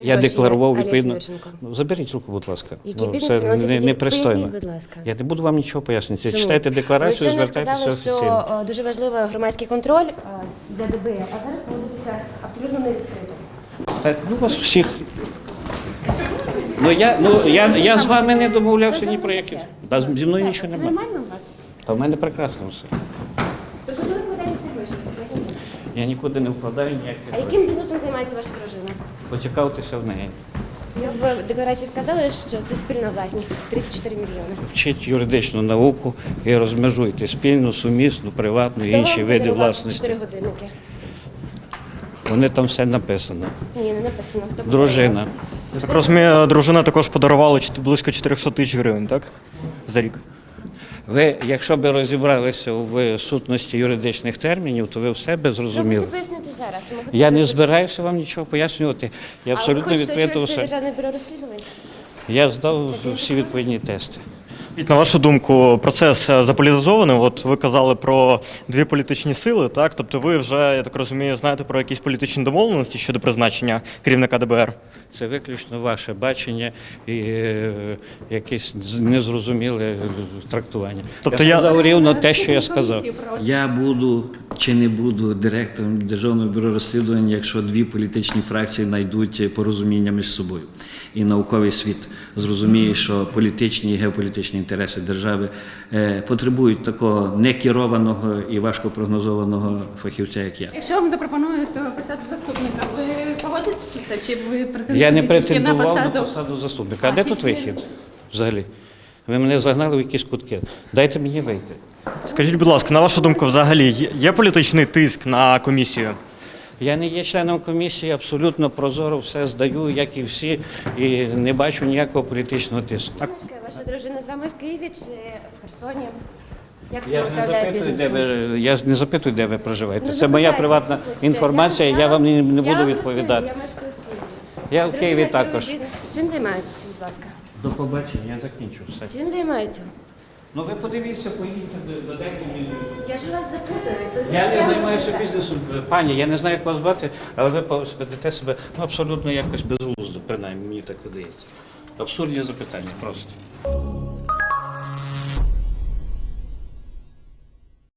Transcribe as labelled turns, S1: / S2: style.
S1: Я декларував відповідно.
S2: Юрченко.
S1: Ну, заберіть руку, будь ласка.
S2: Який
S1: Ну,
S2: бізнес
S1: це
S2: приносить?
S1: непристойно.
S2: Поясніть, будь ласка.
S1: Я не буду вам нічого пояснювати.
S2: Чому?
S1: Читайте декларацію,
S2: Ви щойно
S1: звертайтеся
S2: сказали,
S1: офіційно.
S2: що дуже важливий громадський контроль для ДБР, а зараз проводиться абсолютно не відкрито.
S1: Так, ну вас всіх. Я з вами не домовлявся ні про які. Та зі мною нічого
S2: Все
S1: немає.
S2: нормально у вас?
S1: Та в мене прекрасно все.
S2: Ви куди ви вкладаєте ці гроші? Поясніть.
S1: Я нікуди не вкладаю ніяких
S2: А
S1: грошей.
S2: яким бізнесом займається ваша дружина?
S1: Поцікавтеся в неї.
S2: Ви в декларації вказали, що це спільна власність 34 мільйони.
S1: Вчіть юридичну науку і розмежуйте спільну, сумісну, приватну і
S2: Хто
S1: інші
S2: вам
S1: види
S2: подарував
S1: власності.
S2: 4 годинники?
S1: Вони там все написано.
S2: Ні, не написано. Хто
S1: Дружина.
S3: Так розумію, дружина також подарувала близько 400 тисяч гривень, так? За рік.
S1: Ви, якщо б розібралися в сутності юридичних термінів, то ви все би зрозуміли.
S2: Можете пояснити зараз?
S1: Я не збираюся вам нічого пояснювати. Я абсолютно
S2: А ви хочете
S1: відкрито
S2: очолити
S1: все.
S2: Державне бюро розслідувань?
S1: Я здав всі відповідні тести.
S3: На вашу думку, процес заполітизований? От ви казали про дві політичні сили, так? Тобто ви вже, я так розумію, знаєте про якісь політичні домовленості щодо призначення керівника ДБР?
S1: Це виключно ваше бачення і якесь незрозуміле трактування.
S3: Тобто
S1: я
S3: я-
S1: сказав рівно те, що я сказав.
S4: Я буду чи не буду директором Державного бюро розслідувань, якщо дві політичні фракції знайдуть порозуміння між собою. І науковий світ зрозуміє, що політичні і геополітичні інтереси держави потребують такого некерованого і важко прогнозованого фахівця, як я.
S5: Якщо вам запропонують посаду заступника, ви погодитеся чи ви
S1: Я не
S5: претендуєте на
S1: претендував на
S5: посаду?
S1: посаду заступника. А
S5: А,
S1: де
S5: чи
S1: тут
S5: ви-
S1: вихід взагалі? Ви мене загнали в якісь кутки. Дайте мені вийти.
S3: Скажіть, будь ласка, на вашу думку, взагалі є політичний тиск на комісію?
S1: Я не є членом комісії, абсолютно прозоро все здаю, як і всі, і не бачу ніякого політичного тиску.
S2: Ваша дружина з вами в Києві чи в Херсоні? Як
S1: Я
S2: вона
S1: ж не
S2: управляє
S1: запитую, де
S2: бізнесом?
S1: ви, я ж не запитую, де ви проживаєте.
S2: Ну,
S1: Це моя
S2: запитайте,
S1: приватна
S2: якщо хочете.
S1: інформація, я вам не буду
S2: вам
S1: відповідати.
S2: розкажу, Я мешкаю в Києві.
S1: Я в Києві
S2: Дружина
S1: також.
S2: керує бізнесом. Чим займаєтеся, будь ласка?
S1: До побачення, я закінчу все.
S2: Чим займаються?
S1: Ну ви подивіться, поїдьте, додайте мені.
S2: Я ж вас запитую. то
S1: Я
S2: все
S1: не займаюся
S2: можете.
S1: бізнесом, пані, я не знаю, як вас звати, але ви ведете себе абсолютно якось безглуздо, принаймні мені так видається. Абсурдні запитання просто.